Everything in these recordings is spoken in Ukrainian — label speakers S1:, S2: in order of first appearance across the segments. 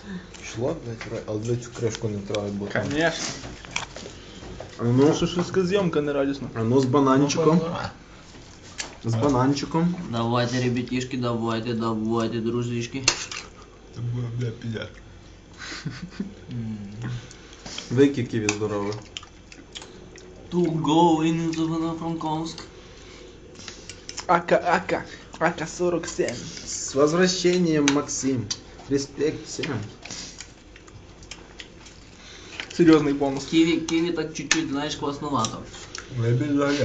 S1: Пішло, блядь, але для цю кришку не треба, бо там...
S2: Конечно.
S1: А ну,
S2: Шашлицька зйомка не радісна.
S1: а ну з бананчиком. З бананчиком.
S3: Давайте, ребятишки, давайте, дружишки.
S4: Це буде, бля, піде.
S1: Вики ківі здорове.
S3: To go in Ивано-Франковск.
S2: АК-47.
S1: С возвращением, Максим. Респект всем.
S2: Серйозний бонус.
S3: Киви так чуть-чуть, знаешь, классновато.
S4: Вибіжає.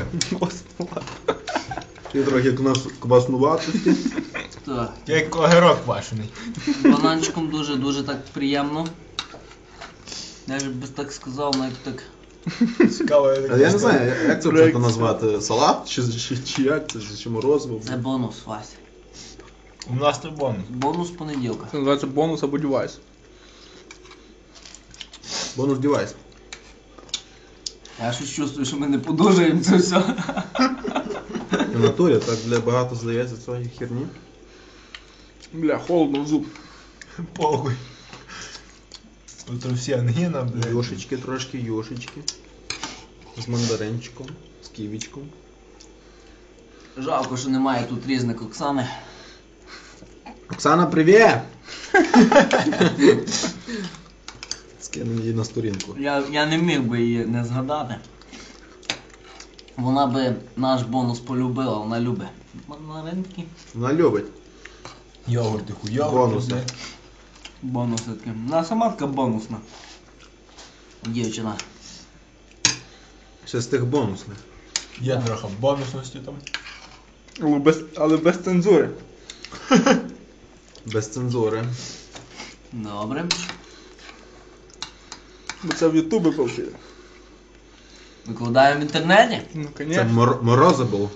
S1: Ти трохи кваснуватості.
S3: Так.
S4: Як огірок квашений.
S3: Бананчиком дуже так приємно. Я ж би так сказав, навіть так.
S4: Цікаво,
S1: А я не знаю, як це просто назвати? Салат? Чи як це? Чи морозиво?
S3: Це бонус, Вася.
S4: У нас це бонус.
S3: Бонус понеділка.
S2: Це називається бонус або девайс.
S1: Бонус девайс.
S3: Я щось чувствую, що ми не подужаємо це все.
S1: В натурі так для багато здається цієї херні.
S2: Бля, холодно в зуб.
S4: Похуй. Тут всі ангіна, блядь.
S1: Йошечки трошки, йошечки. З мандаринчиком, з ківічком.
S3: Жалко, що немає тут різних Оксани.
S1: Оксана, привіт! Скинемо її на сторінку.
S3: Я не міг би її не згадати. Вона би наш бонус полюбила, вона любить. Мандаринки.
S1: Вона любить.
S4: Йогурти, хуйогурти.
S1: Бонуси.
S4: блядь.
S3: Бонуси такі. Вона сама така бонусна. Дівчина.
S1: Ще з тих бонусних.
S4: Є трохи бонусності там.
S2: Але без цензури.
S1: Без цензури.
S3: Добре.
S2: Бо це в Ютубі повсюди.
S3: Викладаємо в інтернеті.
S2: Ну,
S1: Це
S2: конечно.
S1: морозибл.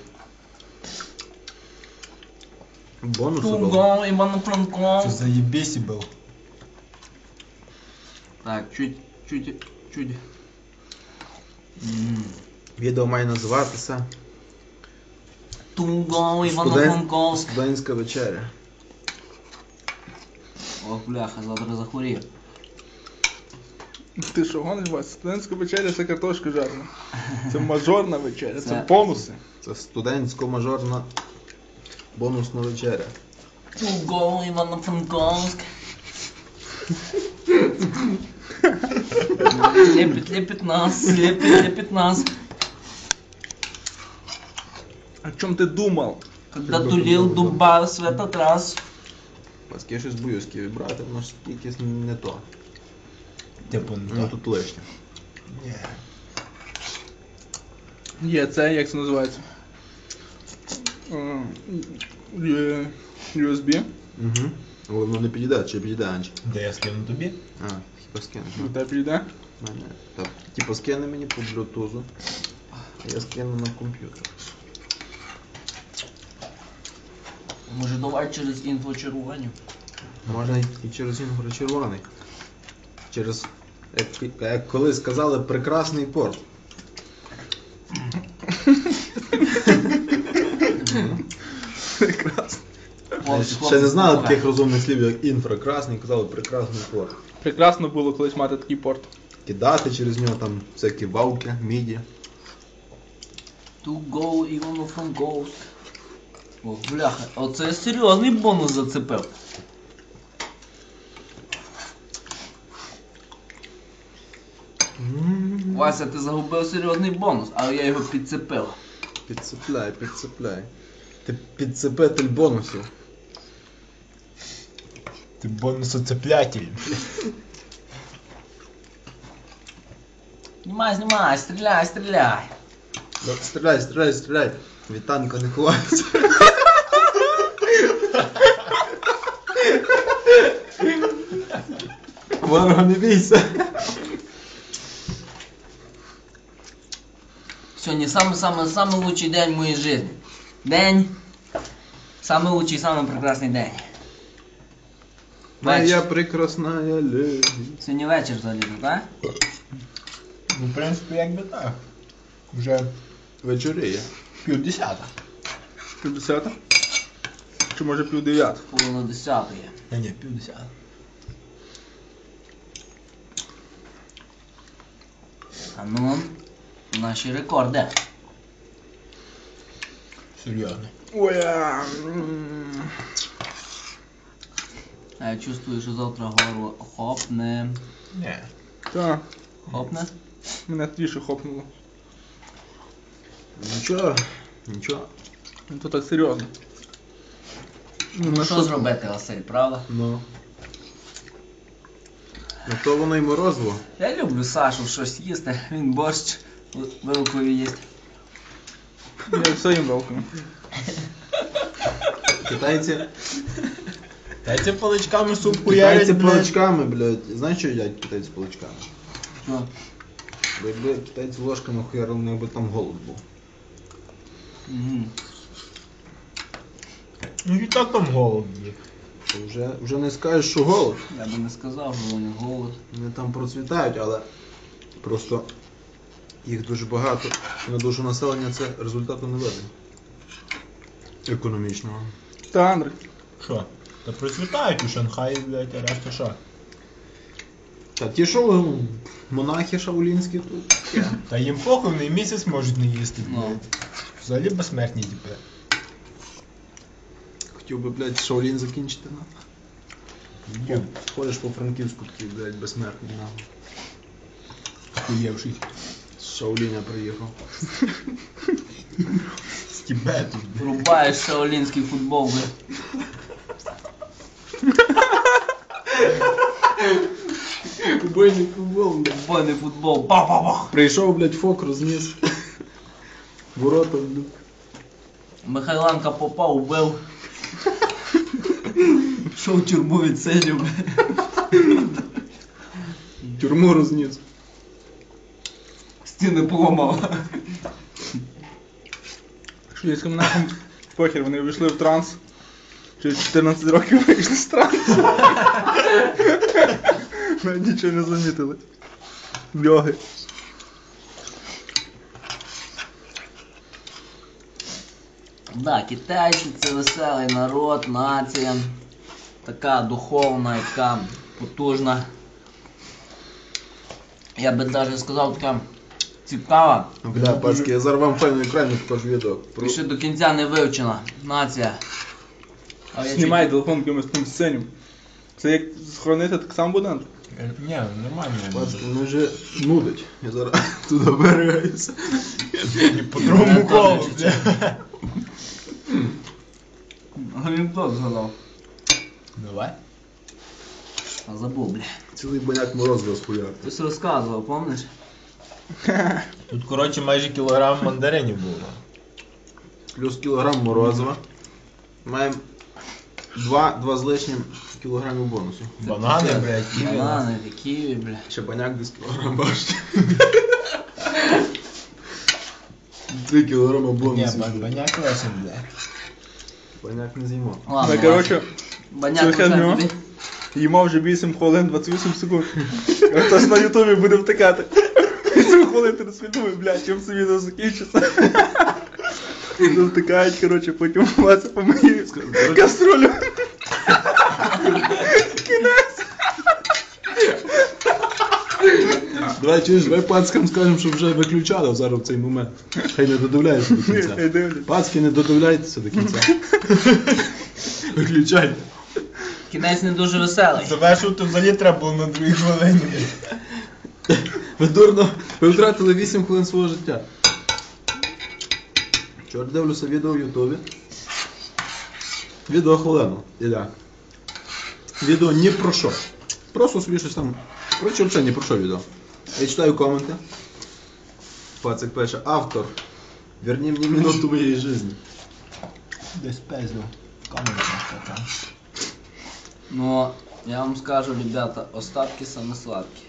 S1: Бонусибл.
S3: Туго,
S4: Це
S3: Івано-Франковськ.
S4: заєбісі був.
S3: Так, чуть.
S1: Відео має називатися
S3: Туго, Івано-Франковськ.
S1: Студентська вечеря.
S3: Ох, бляха, завтра захворів.
S2: Ти що гониш, Вася? Студентська вечеря це картошка жарена. Це мажорна вечеря, це
S3: Це-
S2: бонуси.
S1: Це студентсько-мажорна бонусна вечеря.
S3: Туго, Івано-Франковськ. Лепит нас.
S2: О чому ти думав?
S3: Когда тулил дуба в этот раз.
S1: Паски, я щось боюсь ківі брати, воно ж якесь не то.
S4: Типу,
S1: Ну тут лишнє.
S4: Ні.
S2: Є, це як це називається? USB.
S1: Угу. Але воно не підійде, чи підійде, Анчик?
S4: Де я скину тобі?
S1: А, хіба скину.
S2: До тебе підійде?
S1: Мене. Так, типу скине мені по блютузу. А я скину на комп'ютер.
S3: Може давай через інфочарування.
S1: Можна і через інгор червоний. Через, як колись сказали, прекрасний порт.
S2: Прекрасно.
S1: Ще не знали таких розумних слів, як інфракрасний, казали прекрасний порт.
S2: Прекрасно було колись мати такий порт.
S1: Кидати через нього там всякі вавки, міді.
S3: Туго, Івано-Франковськ. Ох, бляха, оце серйозний бонус зацепив. Вася, ти загубив серйозний бонус, але я його підцепив.
S1: Підцепляй, підцепляй. Ти підцепитель бонусів.
S4: Ти бонусоцеплятель.
S3: Знімай, стріляй.
S1: Ну, стріляй. Від танка не ховається. Ворога не бійся.
S3: Сьогодні самый лучший день в моїй житті. Самый лучший, самый прекрасний день.
S1: Моя прекрасна леді.
S3: Сьогодні вечір взагалі, так?
S4: Ну, в принципі, якби так. Вже
S1: Вечоріє.
S4: 9:50.
S2: 50? Чи може 9:30?
S3: Половина 10 є.
S4: Ні, 9:50.
S3: А ну, наші рекорди.
S4: Серйозно.
S2: Ой,
S3: А я чувствую, що завтра горло хопне.
S4: Ні.
S2: та,
S3: Хопне?
S2: мене трішки хопнуло.
S1: Нічого, нічого.
S2: Ну то так серйозно.
S3: Ну що зробити, Василь, правда?
S1: Ну. Ну то воно й морозиво.
S3: Я люблю Сашу щось їсти, він борщ вилкою їсть.
S2: Я все їм велком.
S1: Китайці,
S4: Дайте паличками суп
S1: китайці
S4: хуярять, блядь.
S1: паличками, блядь. Знаєш, що їдять китайці паличками?
S3: Що?
S1: Бо якби китайці ложками хуярили, у них би там голод був.
S3: Угу.
S4: Ну і так там голод є.
S1: То вже не скажеш, що голод.
S3: Я би не сказав, що вони голод.
S1: Вони там процвітають, але просто їх дуже багато. На душу населення це результату не видно. Економічного.
S2: Та, Андрій.
S4: Що? Та процвітають у Шанхаї, блядь, а решта що?
S1: Та ті, що монахи шаолінські тут.
S4: Та їм похуй, вони і місяць можуть не їсти,
S3: Ну.
S4: блядь. Взагалі безсмертні, типу.
S1: Хотів би, блядь, Шаолін закінчити на.
S4: Йо,
S1: Ходиш по Франківську, такий, блядь, безсмертний на.
S4: хуєвший.
S1: З Шаоліня приїхав.
S4: З Тібету, блядь.
S3: Рубаєш шаолінський футбол, блядь.
S1: Убойний футбол, блядь.
S3: Футбольний футбол. Бах-бах-бах.
S1: Прийшов, блядь, фок, розніс. Ворота, блядь.
S3: Михайленка попав, убив. Що в тюрму відсидів, блядь.
S1: Тюрму розніс.
S3: Стіни поламав.
S2: Шведським нахом похер, вони вийшли в транс. Через 14 років вийшли з трансу. Навіть нічого не замітили. Йоги.
S3: Да, китайці це веселий народ, нація. Така духовна, яка потужна. Я би навіть сказав, така цікава.
S1: Бля, пацки, я зараз вам файно екрані покажу відео.
S3: І ще до кінця не вивчена нація. А я
S2: Знімай телефон якимось тим сценім. Це як схоронити, так само буде, Андрій?
S4: Ні, нормально.
S1: Пацки, мене вже нудить. Я зараз туди берегаюся.
S4: І по другому колу, блядь.
S3: Анекдот згадав.
S4: Давай.
S3: А забув, бля.
S1: Цілий баняк морозива схуяв.
S3: Хтось розказував, помниш?
S4: Тут, коротше, майже кілограм мандаринів було.
S1: Плюс кілограм морозива. Маємо 2 з лишнім кілограмів бонусу.
S4: Банани, блядь, ківі.
S3: Банани, ківі, бля.
S1: Ще баняк десь кілограм бачите. 3 кілограма
S4: Ні,
S1: бонусу.
S4: баняк лесен, блядь.
S1: Баняк не з'їмо.
S3: Ладно,
S2: Ну, коротше,
S3: баняк
S2: це
S3: лише
S2: херня.
S3: тобі.
S2: їмо вже 8 хвилин 28 секунд. Хтось на ютубі буде втикати. 8 хвилин 30 секунд, блядь, чим це відео закінчиться. Ну, втикають, коротше, потім Вася помиє каструлю.
S1: Давай, чуєш, давай пацкам скажемо, щоб вже виключали зараз в цей момент. Хай не додивляються до
S2: Хай
S1: кінця.
S2: дивляться.
S1: Пацки, не додивляйтеся до кінця. Виключайте.
S3: Кінець не дуже веселий.
S4: Завершувати взагалі треба було на другій хвилині.
S1: Ви дурно, ви втратили 8 хвилин свого життя. Вчора дивлюся відео в Ютубі. Відео хвилину, Ілля. Відео ні про що. Просто собі щось там. Коротше, взагалі ні про що відео. Я читаю коменти. Пацик пише, автор, верни мені минуту моєї житті.
S4: Десь пезнув. Камера така.
S3: Ну, я вам скажу, ребята, остатки саме сладкі.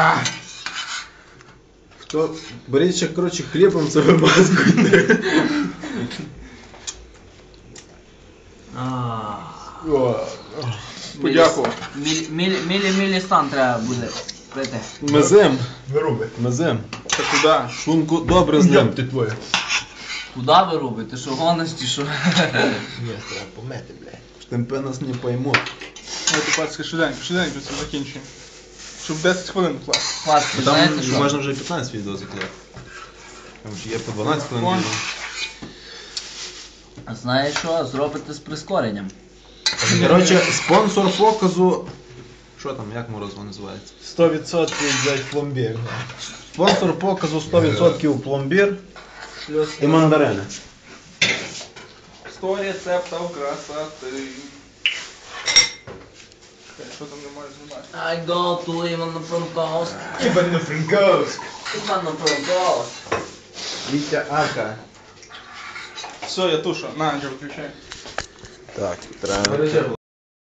S1: Хто? Беріть ще, коротше, хлібом це вимазкуйте.
S2: Подякував.
S3: Мілі стан треба буде пити.
S1: Мезем.
S4: Вируби.
S1: Мезем.
S2: Та куди?
S1: Шлунку добре з ним.
S4: Йоп ти твоє.
S3: Куди ви робите? Що гониш чи що?
S4: Ні, треба помити, блядь.
S1: Штемпе нас не поймуть.
S2: Давайте, пацки, швиденько це закінчуємо. Щоб 10 хвилин класти.
S3: Паски,
S1: Там
S3: знаєте що?
S1: можна вже і 15 відео заклеїти. Там ж є по 12 хвилин
S2: Вон.
S1: відео.
S3: Знаєш що? Зробите з прискоренням.
S1: Коротше, спонсор показу. Що там, як морозиво називається?
S4: 100% взять пломбір. Спонсор показу 100% пломбір і мандарини.
S2: 100 рецептів красоти. Що там не можеш знімати?
S3: I go to Івано-Франковськ.
S4: Івано-Франковськ.
S3: Івано-Франковськ.
S4: Вітя Ака.
S2: Все, я тушу. На, Анджел, виключай.
S4: Так, треба.